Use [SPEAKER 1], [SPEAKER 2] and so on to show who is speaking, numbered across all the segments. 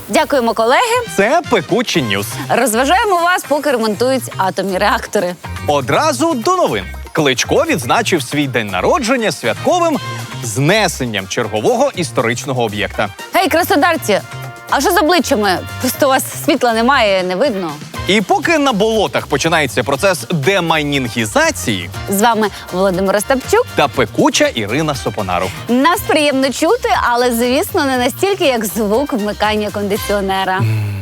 [SPEAKER 1] Дякуємо, колеги.
[SPEAKER 2] Це Пекучі Ньюс.
[SPEAKER 1] Розважаємо вас, поки ремонтують атомні реактори.
[SPEAKER 2] Одразу до новин. Кличко відзначив свій день народження святковим знесенням чергового історичного об'єкта.
[SPEAKER 1] Гей, краснодарці, а що з обличчями? Просто у вас світла немає, не видно.
[SPEAKER 2] І поки на болотах починається процес демайнінгізації,
[SPEAKER 1] З вами Володимир Остапчук.
[SPEAKER 2] та пекуча Ірина Сопонару.
[SPEAKER 1] Нас приємно чути, але, звісно, не настільки, як звук вмикання кондиціонера.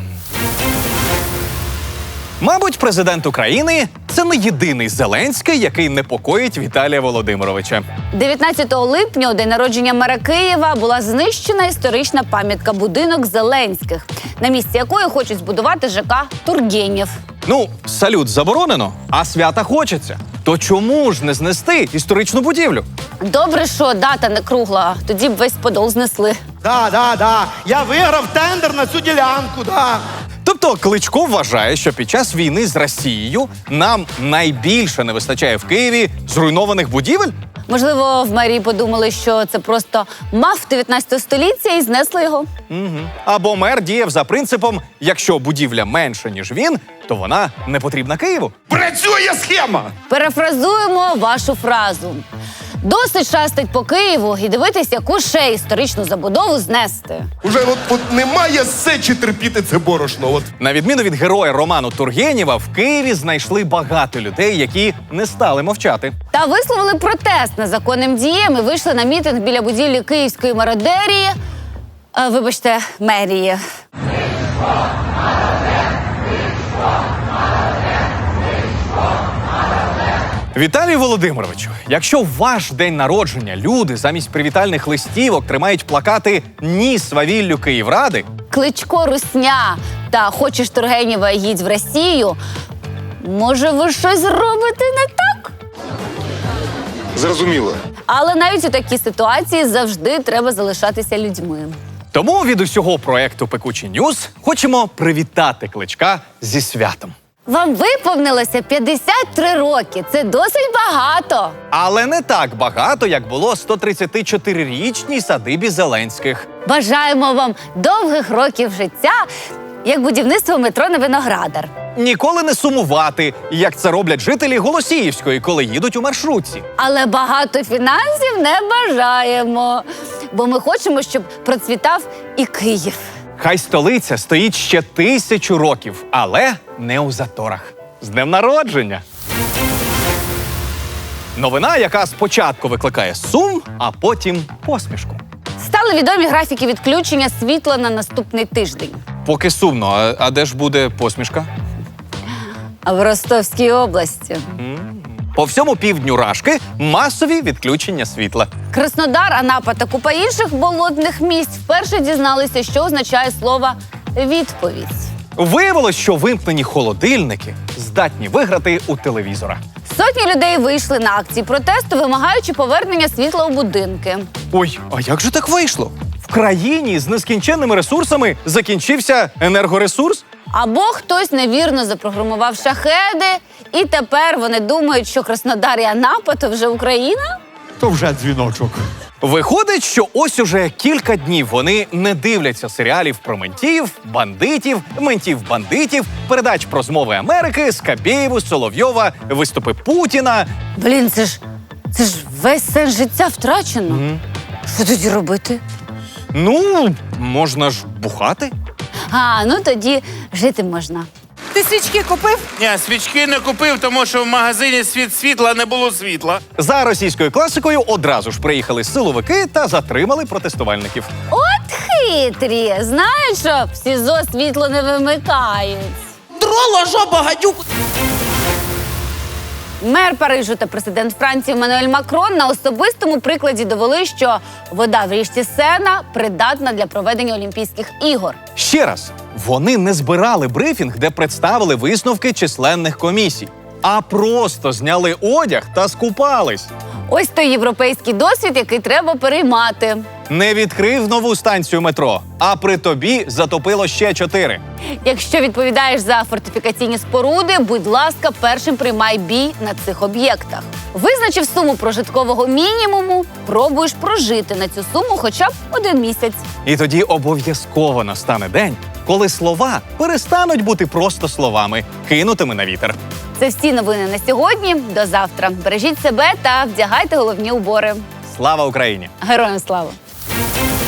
[SPEAKER 2] Мабуть, президент України – це не єдиний Зеленський, який непокоїть Віталія Володимировича.
[SPEAKER 1] 19 липня, у день народження мера Києва, була знищена історична пам'ятка «Будинок Зеленських», на місці якої хочуть збудувати ЖК «Тургенєв».
[SPEAKER 2] Ну, салют заборонено, а свята хочеться. То чому ж не знести історичну будівлю?
[SPEAKER 1] Добре, що дата не кругла, тоді б весь Подол знесли.
[SPEAKER 3] Да. Я виграв тендер на цю ділянку, да.
[SPEAKER 2] Тобто Кличко вважає, що під час війни з Росією нам найбільше не вистачає в Києві зруйнованих будівель?
[SPEAKER 1] Можливо, в мерії подумали, що це просто мав 19 століття і знесли його.
[SPEAKER 2] Або мер діяв за принципом, якщо будівля менша, ніж він, то вона не потрібна Києву.
[SPEAKER 3] Працює схема!
[SPEAKER 1] Перефразуємо вашу фразу. Досить шастать по Києву і дивитись, яку ще історичну забудову знести.
[SPEAKER 4] Уже от немає сечі терпіти це борошно.
[SPEAKER 2] На відміну від героя роману Тургенєва, в Києві знайшли багато людей, які не стали мовчати.
[SPEAKER 1] Та висловили протест незаконним діям і вийшли на мітинг біля будівлі Київської мародерії. Вибачте, мерії.
[SPEAKER 2] Віталію Володимировичу, якщо в ваш день народження люди замість привітальних листівок тримають плакати «Ні свавіллю Київради»,
[SPEAKER 1] Кличко русня та «Хочеш Тургенєва, їдь в Росію», може, ви щось робите не так?
[SPEAKER 4] Зрозуміло.
[SPEAKER 1] Але навіть у такій ситуації завжди треба залишатися людьми.
[SPEAKER 2] тому від усього проекту «Пекучі Ньюс» хочемо привітати Кличка зі святом.
[SPEAKER 1] Вам виповнилося 53 роки. Це досить багато.
[SPEAKER 2] Але не так багато, як було 134-річній садибі Зеленських.
[SPEAKER 1] Бажаємо вам довгих років життя, як будівництво метро на Виноградар.
[SPEAKER 2] Ніколи не сумувати, як це роблять жителі Голосіївської, коли їдуть у маршрутці.
[SPEAKER 1] Але багато фінансів не бажаємо, бо ми хочемо, щоб процвітав і Київ.
[SPEAKER 2] Хай столиця стоїть ще 1000 років, але не у заторах. З днем народження! Новина, яка спочатку викликає сум, а потім посмішку.
[SPEAKER 1] Стали відомі графіки відключення світла на наступний тиждень.
[SPEAKER 2] Поки сумно, а де ж буде посмішка?
[SPEAKER 1] А в Ростовській області.
[SPEAKER 2] По всьому півдню Рашки масові відключення світла.
[SPEAKER 1] Краснодар, Анапа та купа інших болотних місць вперше дізналися, що означає слово «відповідь».
[SPEAKER 2] Виявилось, що вимкнені холодильники здатні виграти у телевізора.
[SPEAKER 1] Сотні людей вийшли на акції протесту, вимагаючи повернення світла у будинки.
[SPEAKER 2] Ой, а як же так вийшло? В країні з нескінченними ресурсами закінчився енергоресурс?
[SPEAKER 1] Або хтось невірно запрограмував шахеди, і тепер вони думають, що Краснодар і Анапа – то вже Україна?
[SPEAKER 3] То вже дзвіночок.
[SPEAKER 2] Виходить, що ось уже кілька днів вони не дивляться серіалів про ментів-бандитів, передач про змови Америки, Скабєєву, Соловйова, виступи Путіна.
[SPEAKER 1] Блін, це ж весь сенс життя втрачено. Що тоді робити?
[SPEAKER 2] Ну, можна ж бухати.
[SPEAKER 1] Ну тоді жити можна.
[SPEAKER 5] Ти свічки купив?
[SPEAKER 6] Ні, свічки не купив, тому що в магазині світла не було світла.
[SPEAKER 2] За російською класикою одразу ж приїхали силовики та затримали протестувальників.
[SPEAKER 1] От хитрі! Знають, що в СІЗО світло не вимикають.
[SPEAKER 5] Дроло, жопа, гадюк.
[SPEAKER 1] Мер Парижу та президент Франції Еммануель Макрон на особистому прикладі довели, що вода в річці Сена придатна для проведення Олімпійських ігор.
[SPEAKER 2] Ще раз, вони не збирали брифінг, де представили висновки численних комісій, а просто зняли одяг та скупались.
[SPEAKER 1] Ось той європейський досвід, який треба переймати.
[SPEAKER 2] Не відкрив нову станцію метро, а при тобі затопило ще 4.
[SPEAKER 1] Якщо відповідаєш за фортифікаційні споруди, будь ласка, першим приймай бій на цих об'єктах. Визначив суму прожиткового мінімуму, пробуєш прожити на цю суму хоча б 1 місяць.
[SPEAKER 2] І тоді обов'язково настане день, коли слова перестануть бути просто словами, кинутими на вітер.
[SPEAKER 1] Це всі новини на сьогодні. До завтра. Бережіть себе та вдягайте головні убори.
[SPEAKER 2] Слава Україні!
[SPEAKER 1] Героям слава!